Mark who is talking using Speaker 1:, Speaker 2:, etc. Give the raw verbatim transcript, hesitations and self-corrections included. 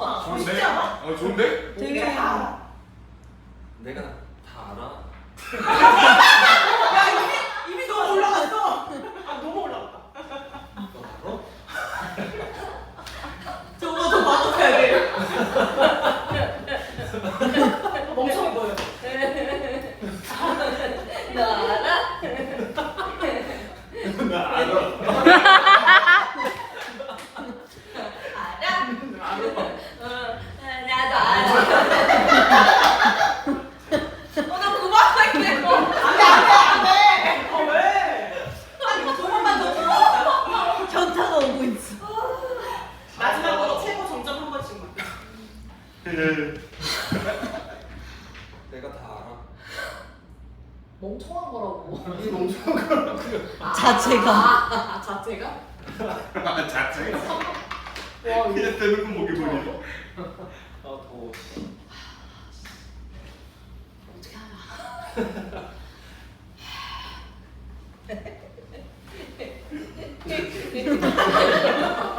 Speaker 1: 좋은데?
Speaker 2: 쉽지 않아?
Speaker 1: 어 좋은데?
Speaker 2: 되게 다 알아.
Speaker 3: 내가 다 알아.
Speaker 2: 야 이미 이미 너무 올라갔어. 아 너무 올라갔다.
Speaker 3: 너 알아?
Speaker 2: 저거 더 맞춰야 돼. 멍청이 보여.
Speaker 4: 너 알아?
Speaker 1: 나 알아.
Speaker 4: 알아?
Speaker 1: 알아.
Speaker 4: 어, 나도 알아. 어, 너 그만할래.
Speaker 2: 안돼 안돼 안돼. 어 왜? 아니 두 번만 더 줘.
Speaker 4: 현타가 오고 있어.
Speaker 2: 마지막으로 최고 정점 한 번씩만.
Speaker 3: 내가 다 알아.
Speaker 4: 멍청한 거라고.
Speaker 3: 이 멍청한 거라고.
Speaker 4: 자체가.
Speaker 2: 아 자체가?
Speaker 1: 아 자체.
Speaker 2: 와
Speaker 1: 그냥
Speaker 2: 이거
Speaker 1: 대놓고 목이 보니.
Speaker 3: 아 더워.
Speaker 4: 어떻게 알아?